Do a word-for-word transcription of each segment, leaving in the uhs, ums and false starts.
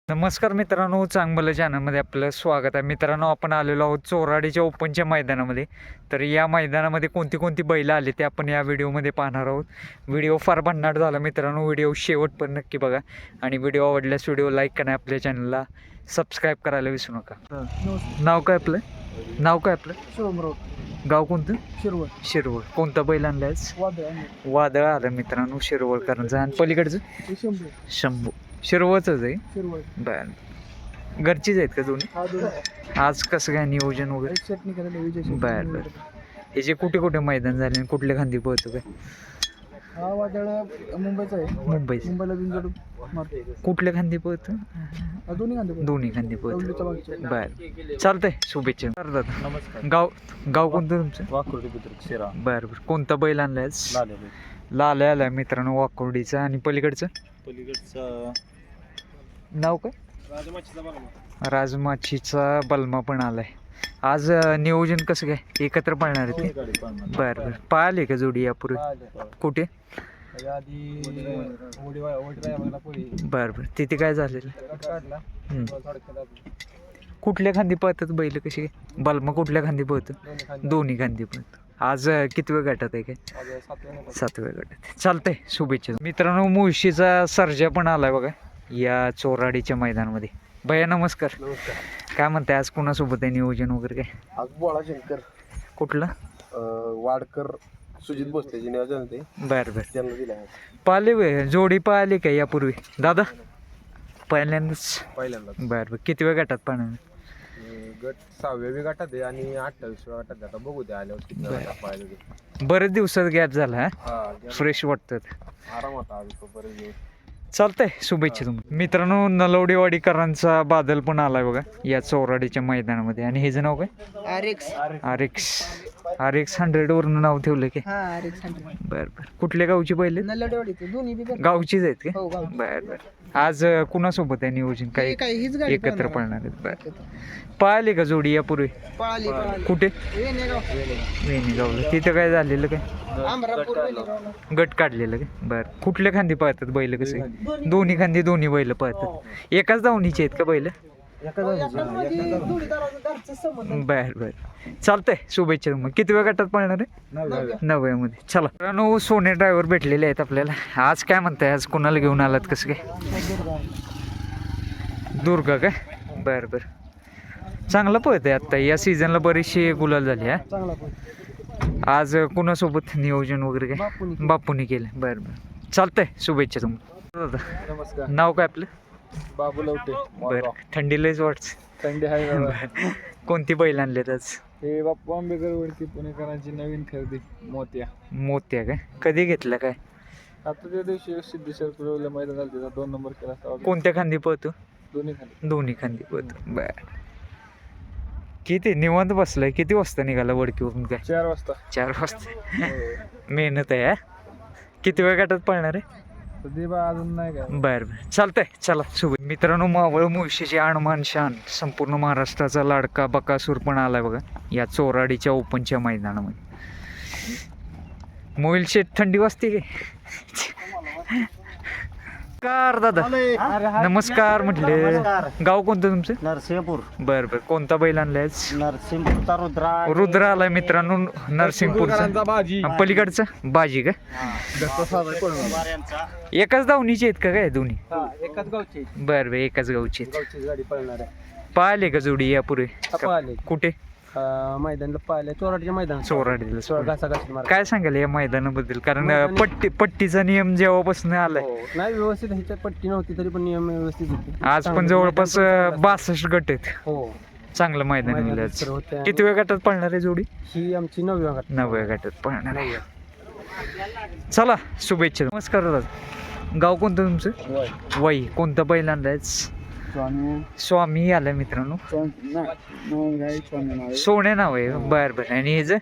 नमस्कार मित्रांनो, चांगलं चॅनलमध्ये आपलं स्वागत आहे. मित्रांनो, आपण आलेलो आहोत चोराडीच्या ओपनच्या मैदानामध्ये. तर या मैदानामध्ये कोणती कोणती बैलं आली ते आपण या व्हिडिओमध्ये पाहणार आहोत. व्हिडिओ फार भन्नाट झाला मित्रांनो, व्हिडिओ शेवट पण नक्की बघा आणि व्हिडिओ आवडल्यास व्हिडिओ लाईक करा, आपल्या चॅनलला सबस्क्राईब करायला विसरू नका. नाव काय आपलं नाव काय आपलं शिवमराव. गाव कोणतं? शिरवळ. शिरवळ. कोणता बैल आणलायच? वादळ. वादळ आलं मित्रांनो शिरवळकरांचं. आणि पलीकडचं शंभू. शंभू. शिरवळच आहे. शिरवळ. बर, घरचीच आहेत का दोन्ही? हा दोन. आज कसं काय नियोजन वगैरे? एक चटणी करायला विजय शेट्टी. बर बर. ह्याचे कुठे कुठे मैदान झाले आणि कुठल्या खांदी पळतो काय? हा वादळ मुंबईचा आहे. मुंबईच. मुंबईला बिनजोड मारतो. कुठल्या खांदी पळतो? हा दोन्ही कांदे. दोन्ही खांदी पळतो. दौंडीच्या मागच्या. बर, चालतंय. शुभेच्छा. बरं दादा, नमस्कार. गाव गाव कोणतं तुमचं? वाकुर्डी बुद्रुक शिरा. बरं बरं. कोणता बैल आणलाय? लाले लाल आलाय मित्रांनो वाकोर्डीचा. आणि पलीकडचं पलीकडचा नाव काय? राजमाचीचा बघा. राजमाचीचा बलमा पण आलाय. आज अं, नियोजन कसं काय एकत्र पाळणार आहे ते? गाडी पाहणार. बरं बरं. पाहिले का जोडी यापूर्वी? कुठे? आधी ओडी ओडी रायबागला पोळी बरं बरं. तिथे काय झालेलं? कट काढला. हम्म. थोडक्यात कुठल्या खांदी पळतात बैल कशी काय? बलमा कुठल्या खांदी पळतं? दोन्ही खांदे. दोन्ही खांदी पळतं. आज अं, कितव्या गटात आहे काय? आज सातव्या नंबर. सातव्या गटात. चालतंय, शुभेच्छा मित्रांनो. मुळशीचा सर्जा पण आलाय बघा या चोराडीच्या मैदानामध्ये. भैया नमस्कार. नमस्कार. काय म्हणताय, आज कोणासोबत आहे नियोजन वगैरे काय? आज बोळा शंकर कुठलं? वाडकर सुजित भोसलेचे नियोजन ते बरं बरं. त्यांना दिला आहे पाहिले वे जोडी पाहिली का यापूर्वी दादा? पहिल्यांदाच. पहिल्यांदा. बरं बरं. कितव्या गटात पाहणार? गट सहाव्या गटात आहे आणि अठ्ठावीसव्या गटात आहे. आता बघू द्या आल्यावर किती गटात पाहिलं ते. बरेच दिवसात गॅप झाला हा. हा फ्रेश वाटतं. आराम होता आज तो बरेच दिवस. चालतंय, शुभेच्छा तुम्हाला. मित्रांनो, नलवडेवाडीकरांचा बादल पण आलाय बघा या चोराडीच्या मैदानामध्ये. आणि हे जे नाव काय? आरेक्स. आरेक्स. आरेक्स हंड्रेड वरून नाव ठेवलं की? हा आरेक्स हंड्रेड. बरं बरं. कुठल्या गावची पहिले? नल्लडवाडीचे दोन्ही बी बरं. गावचीच आहेत का? हो गाव. बरं बरं. आज अं, कुणासोबत आहे नियोजन? काय काय हीच गाडी एकत्र पळणार. पळणार आहेत? बरं. पाहिले का जोडी यापूर्वी? पळाली पळाली. कुठे? वेणेगाव. वेणीगावला. तिथं काय झालेलं काय? आमरापूर वेणेगावला. गट काढलेलं काय? बरं. कुठल्या खांदी पळतात बैल कसे? दोन्ही खांदी दोन्ही बैल पळतात. एकाच धावणीचे आहेत का बैल? बर बर. चालतंय, शुभेच्छा तुम्हाला. किती वेळ गटात पळणार आहे? नव्यामध्ये. चला मित्रांनो, सोने ड्रायव्हर भेटलेले आहेत आपल्याला. आज काय म्हणताय, आज कोणाला घेऊन आलात कसं काय? दुर्गा काय? बर बर. चांगलं पळत आहे आत्ता या सीझनला, बरीचशी गुलाल झाली हा. चांगला पण. आज कुणासोबत नियोजन वगैरे काय? बापूनी. बापूनी केलं. बरं बरं. चालतंय, शुभेच्छा तुम्हाला. दादा, नमस्कार. नाव काय आपलं? बाबू लवटे. बरं. थंडी लयच वाटते. थंडी आहे बाबा. कोणती बैल आणलेत आज? हे बाप्पा आंबेकर वरती पुणेकरांची नवीन खरेदी मोत्या. मोत्या काय? कधी घेतला काय? आता त्या दिवशी सिद्धेश्वर कुलवलं मैदान झालं त्याचा दोन नंबर केला असता. कोणत्या खांदी पळतो? दोन्ही खाली. दोन्ही खांदी पळतो. बर. किती निवांत बसलाय? किती वाजता निघाला वडकीवरून काय? चार वाजता. चार वाजता. मेहनत आहे हा. किती वेळ गटात पळणार आहे? सध्या बा अजून नाही काय. बर बर. चालतंय, चला शुभ. मित्रांनो, मावळ मुळशीचे आणमान शान, संपूर्ण महाराष्ट्राचा लाडका बकासूर पण आलाय बघा या चोराडीच्या ओपनच्या मैदानामध्ये. मोबाईल शेट थंडी वाजते काय? नमस्कार दादा. नमस्कार म्हटले. गाव कोणतं तुमचं? नरसिंहपूर. बर बर. कोणता बैल आणलाय? नरसिंहपूरचा रुद्रा. रुद्र आलाय मित्रांनो नरसिंहपूरचा. बाजी. आणि पलीकडचा बाजी का? एकाच धावणीचे आहेत का काय दोन्ही? एकाच गावची. बर बर. एकाच गावची आहेत. गावचीच गाडी पळणार आहे. पाहिले का जोडी यापूर्वी? पाहिले. कुठे? मैदानला पाहिले. चोराडच्या मैदान. चोराडीला. चोरा घासा घासी मार. काय सांगाल या मैदानाबद्दल? कारण मैदानी- पट्टी पट्टीचा नियम जेव्हापासून आलाय, हो. नाही व्यवस्थित ह्याच्यात पट्टी नव्हती तरी पण नियम व्यवस्थित होते. आज पण चांगलं जवळपास मैदान पण बासष्ट गट आहेत. हो. चांगलं मैदान मैदान आहे आज. सर्व होते. किती वेळ गटात पळणार आहे जोडी? ही आमची नवव्या गट. नव्या गटात पळणार आहे. चला, शुभेच्छा. नमस्कार दादा. गाव कोणतं तुमचं? वाई. कोणतं बैल आणलाय? स्वामी आलाय मित्रांनो. सोने नाव आहे. बर बर. आणि हे जे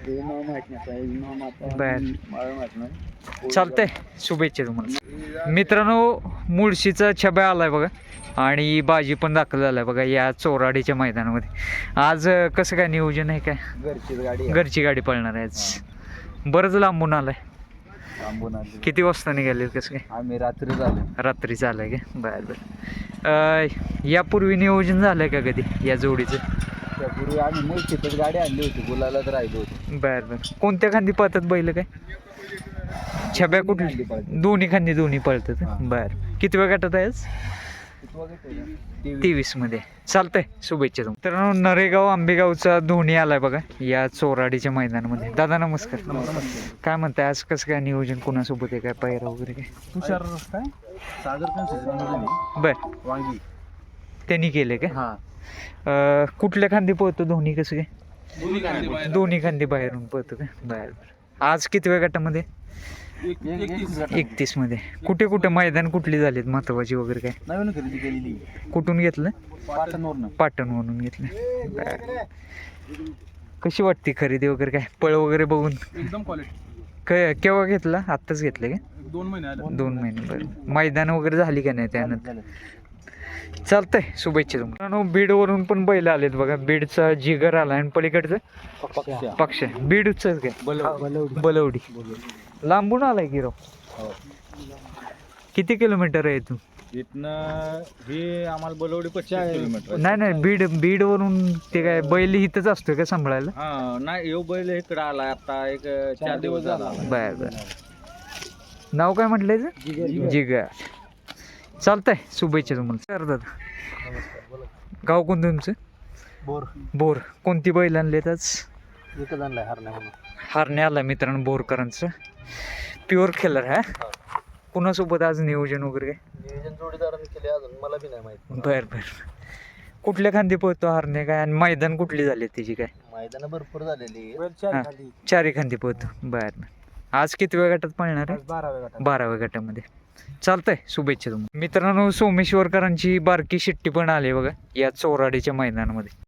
बर. चालतंय, शुभेच्छा तुम्हाला. मित्रांनो, मुळशीचा छब्या आलाय बघा आणि बाजी पण दाखल झालाय बघा या चोराडीच्या मैदानामध्ये. आज कसं काय नियोजन आहे काय? घरचीच गाडी. घरची गाडी पळणार आहे आज. बरंच लांबून आलाय. लांबून आले किती वाजता निघाले कसं काय आम्ही रात्री झाले रात्री झालं का बरं बरं अं, यापूर्वी नियोजन झालं का कधी या जोडीचं त्यापूर्वी आम्ही मुळशीतच गाडी आणली होती गुलालाच राहिलो होतो बरं बरं कोणत्या खांदी पळतात बैल काय छब्या खांदी कुठली पळतात. दोन्ही खांदी दोन्ही पळतात हां. बरं किती वेळ गटात आहे आज तेवीस मध्ये चालतंय शुभेच्छा तुम्ही तर नरेगाव आंबेगावचा धोनी आलाय बघा या चोराडीच्या मैदानामध्ये दादा नमस्कार काय म्हणताय आज कसं काय नियोजन कोणासोबत आहे काय पायरा वगैरे काय तुषार काय सागर कन्सेशन बर वांगी त्यांनी केले का हा अं, कुठल्या खांदी पळतो धोनी कसं काय दोन्ही खांदी बाहेर. दोन्ही खांदी बाहेरून पळतो का बर बर आज किती वेळ गटामध्ये एकतीस मध्ये कुठे कुठे मैदान कुठली झालीत महत्वाची वगैरे काय नवीन खरेदी केलेली कुठून घेतलं पाटणवरनं पाटणवरून घेतलं बर कशी वाटते खरेदी वगैरे काय पळ वगैरे बघून एकदम क्वालिटी क केव्हा घेतला आत्ताच घेतलं का दोन महिने आले दोन महिने बरं मैदान वगैरे झाली का नाही त्यानंतर चालतंय शुभेच्छा तुम्हाला बीडवरून पण बैल आलेत बघा बीडचा जिगर आला आणि पलीकडचं पक्ष बीडच काय बलवडी लांबून आलाय की राव किती किलोमीटर आहे तू इथनं हे आम्हाला बोलवडी पच्चीस किलोमीटर नाही नाही बीड बीडवरून ते काय बैल इथंच असतोय का सांभाळायला हा नाही येऊ बैल इकडे आला आता एक चार दिवस झाला बर बर नाव काय म्हटलंय याचं? जिगर चालतंय शुभेच्छा तुम्हाला सर दादा गाव कोणतं तुमचं बोर बोर कोणती बैल आणलेत आज एकच आणलाय हरण्या म्हणून हारणे आला मित्रांनो बोरकरांचं प्युअर खेलर हा कुणासोबत आज नियोजन वगैरे काय नियोजन जोडीदारांनी केले अजून मला बी नाही माहित बर बर कुठल्या खांदी पळतो हारणे काय आणि मैदान कुठली झाली त्याची काय मैदान भरपूर झालेली हा, चारी खांदी पळतो बर बर आज किती वेळ गटात पळणार आहे बाराव्या गटात बाराव्या गटामध्ये चालतंय शुभेच्छा तुम्हाला मित्रांनो सोमेश्वरकरांची बारकी शिट्टी पण आली बघा या चोराडीच्या मैदानामध्ये